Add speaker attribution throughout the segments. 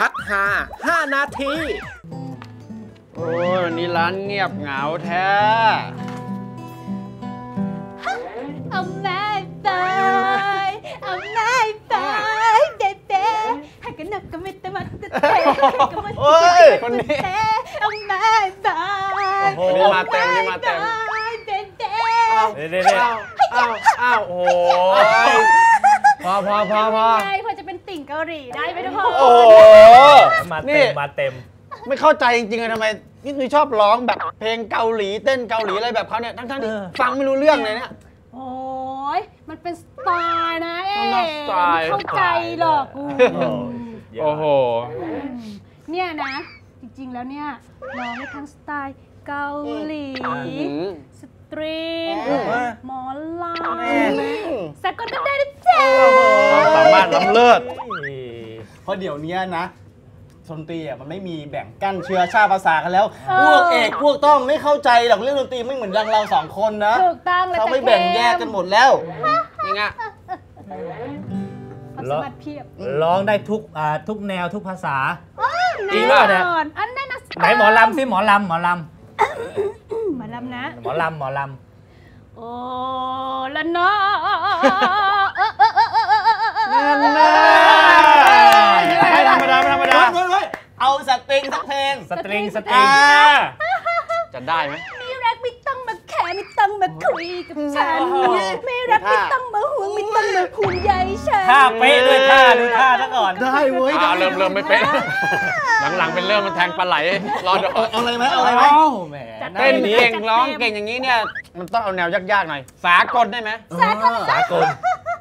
Speaker 1: พักหา5 นาที โอ้ยวันนี้ร้านเงียบเหงาแท้
Speaker 2: เอาแม่ไปเอาแม่ไปเด็ดเด็ดหากกันนักก็ไม่แต่มาเตะก็ไม่
Speaker 1: คนนี้
Speaker 2: เอาแม่ไป
Speaker 1: วันนี้มาเต็มนี่มาเต็ม
Speaker 2: เด็ดเด็ด
Speaker 1: อ้าวโอ้พอ
Speaker 2: ใช่พอจะเป็นติ่งเกาหลีได้ไหมทุกคน
Speaker 1: โอ้
Speaker 3: มาเต็มมาเต็ม
Speaker 1: ไม่เข้าใจจริงๆเลยทำไมนี่คือชอบร้องแบบเพลงเกาหลีเต้นเกาหลีอะไรแบบเขาเนี่ยทั้งที่ฟังไม่รู้เรื่องเลยเนี่ย
Speaker 2: โอ้ยมันเป็นสไตล์นะ
Speaker 1: เข้า
Speaker 2: ใจหรอก
Speaker 1: โอ้โห
Speaker 2: เนี่ยนะจริงๆแล้วเนี่ยร้องได้ทั้งสไตล์เกาหลีสตริงหมอลำสากลก็ได้ด้วยจ้า
Speaker 1: สามารถล้ำเลิศ
Speaker 4: เพราะเดี๋ยวนี้นะดนตรีมันไม่มีแบ่งกั้นเชื้อชาติภาษากันแล้วพวกเอกพวกต้องไม่เข้าใจหรอกเรื่องดนตรีไม่เหมือนเราสองคนนะ
Speaker 2: ถูกต้องเลย
Speaker 4: เขาไม่แบ่งแยกกันหมดแล้ว
Speaker 1: นี่ไง
Speaker 2: ความสามารถเพียบ
Speaker 3: ร้องได้ทุกแนวทุกภาษา
Speaker 2: จริงป่ะเนี่ยอันนั้นนะ
Speaker 3: ไหนหมอลำสิหมอลำ
Speaker 2: หมอลำนะ
Speaker 3: หมอลำ
Speaker 2: โอ้ละเนาะ
Speaker 1: ไม่ธรรมดา
Speaker 4: เอาสตริงสักเพลง
Speaker 3: สตริง
Speaker 1: จะได้ไหม
Speaker 2: ไม่รักไม่ต้องมาแค่ไม่ต้องมาคุยกับฉันไม่รักไม่ต้องมาห่วงไม่ต้องมาห่วงใยฉัน
Speaker 3: ท่าเป๊ะด้วยท่าดูท่าซะก่อน
Speaker 4: ได้เว้ย
Speaker 1: เริ่มไม่เป๊ะหลังๆเป็นเริ่มมันแทงปลาไหลรอดู
Speaker 4: เอาอะไรไหม
Speaker 1: เต้นเก่งร้องเก่งอย่างนี้เนี่ยมันต้องเอาแนวยากๆหน่อยสากลได้ไหม
Speaker 3: สากล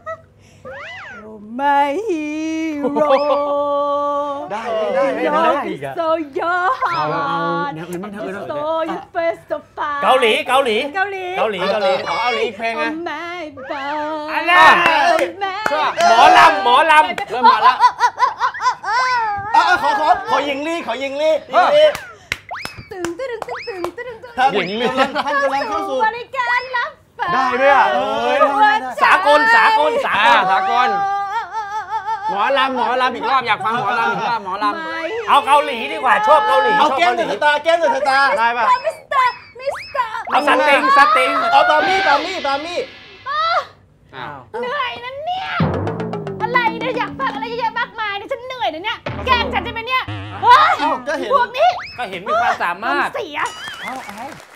Speaker 2: My hero
Speaker 1: ได้
Speaker 2: โซโย่
Speaker 1: เอาแนวอื่นบ้าง
Speaker 2: โซโย่เฟสต์ฟา
Speaker 3: เกาหลี
Speaker 1: เอาอีกเพลงไง
Speaker 3: อะไรหมอลำ
Speaker 1: เริ่มมาแล้ว
Speaker 4: ขอยิงลี่
Speaker 1: ท่านกำลังเข้าสู่
Speaker 2: บริการรับ
Speaker 1: ได้ด้วยอ่ะ
Speaker 3: สากล
Speaker 1: หมอลำอีกรอบอยากฟังหมอลำอีกรอบหมอลำ
Speaker 3: เอาเกาหลีดีกว่าชอบเกาหลี
Speaker 4: เอาแก้มเดือดตา
Speaker 1: ได้ป่ะ
Speaker 2: มิสเตอร์
Speaker 3: เอาสติง
Speaker 4: เอาตามี่
Speaker 2: เหนื่อยนะเนี่ยอะไรเนี่ยอยากฟังอะไรเยอะๆมากมายเนี่ยฉันเหนื่อยนะเนี่ยแกล้งฉันใช่ไหมเนี่ย
Speaker 4: ก็เห็น
Speaker 2: พวกนี้
Speaker 3: ก็เห็นมีความสามารถ
Speaker 2: เสีย